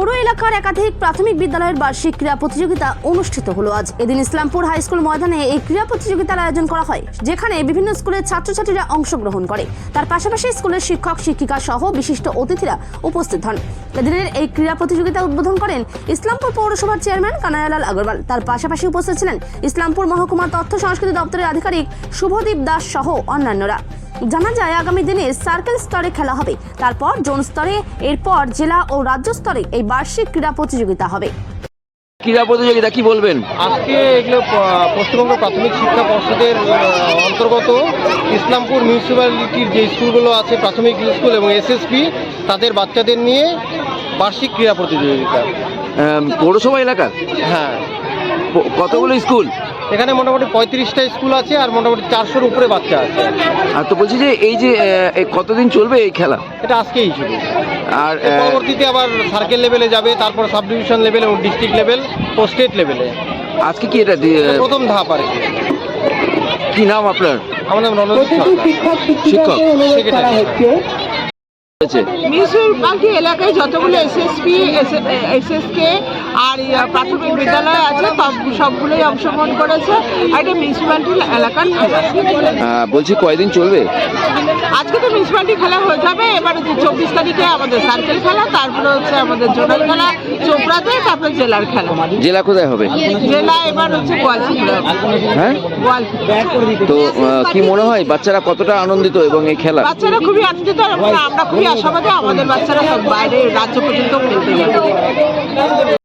পৌর এলাকার একাধিক প্রাথমিক বিদ্যালয়ের বার্ষিক ক্রীড়া প্রতিযোগিতা অনুষ্ঠিত হলো আজ। এদিন ইসলামপুর হাই স্কুল ময়দানে এই ক্রীড়া প্রতিযোগিতার আয়োজন করা হয়, যেখানে বিভিন্ন স্কুলের ছাত্রছাত্রীরা অংশগ্রহণ করে। তার পাশাপাশি স্কুলের শিক্ষক শিক্ষিকা সহ বিশিষ্ট অতিথিরা উপস্থিত হন। এদিনের এই ক্রীড়া প্রতিযোগিতা উদ্বোধন করেন ইসলামপুর পৌরসভার চেয়ারম্যান কানাইলাল আগরওয়াল। তার পাশাপাশি উপস্থিত ছিলেন ইসলামপুর মহকুমা তথ্য সংস্কৃতি দপ্তরের আধিকারিক শুভদীপ দাস সহ অন্যান্যরা। জানা যায় আগামী দিনে সার্কেল স্তরে খেলা হবে, তারপর জোন স্তরে, এরপর জেলা ও রাজ্য স্তরে এই বার্ষিক ক্রীড়া প্রতিযোগিতা হবে। ক্রীড়া প্রতিযোগিতা কি বলবেন? আজকে এগুলো পশ্চিমবঙ্গ প্রাথমিক শিক্ষা পর্ষদের অন্তর্গত ইসলামপুর মিউনিসিপ্যালিটির যে স্কুলগুলো আছে, প্রাথমিক স্কুল এবং এসএসপি, তাদের বাচ্চাদের নিয়ে বার্ষিক ক্রীড়া প্রতিযোগিতা। পৌরসভা এলাকার? হ্যাঁ। কতগুলো স্কুল? এখানে মোটামুটি 35টা স্কুল আছে আর মোটামুটি 400-র উপরে বাচ্চা আছে। আর তো বলছি যে এই যে কতদিন চলবে এই খেলা? এটা আজকেই শুরু, আর পরবর্তীতে আবার সার্কেল লেভেলে যাবে, তারপর সাব ডিভিশন লেভেল এবং ডিস্ট্রিক্ট লেভেল ও স্টেট লেভেলে। আজকে কি এটা প্রথম ধাপ আর কি। কি নাম আপনার? আমার নাম রণজিৎ সরকার, শিক্ষক সেক্রেটারি। মিউনিসিপ্যালিটি এলাকায় যতগুলো এসএসপি, এসএসকে আর প্রাথমিক বিদ্যালয় আছে সবগুলোই অংশগ্রহণ করেছে। আর এটা মিউনিসিপ্যালিটি এলাকার খেলা। বলছি কয়দিন চলবে? আজকে তো মিউনিসিপ্যালিটি খেলা হয়ে যাবে, এবার 24 তারিখে আমাদের সার্কেল খেলা, তারপরে হচ্ছে আমাদের জোনাল খেলা চোপড়াতে, তারপরে জেলার খেলা। জেলা কোথায় হবে? জেলা এবার হচ্ছে গোয়ালচিরা। হ্যাঁ, গোয়ালচিরা। তো কি মনে হয় বাচ্চারা কতটা আনন্দিত এবং এই খেলা? বাচ্চারা খুবই আনন্দিত, আমরা খুবই আশাবাদী আমাদের বাচ্চারা সব বাইরে রাজ্য পর্যন্ত খেলতে যাবে।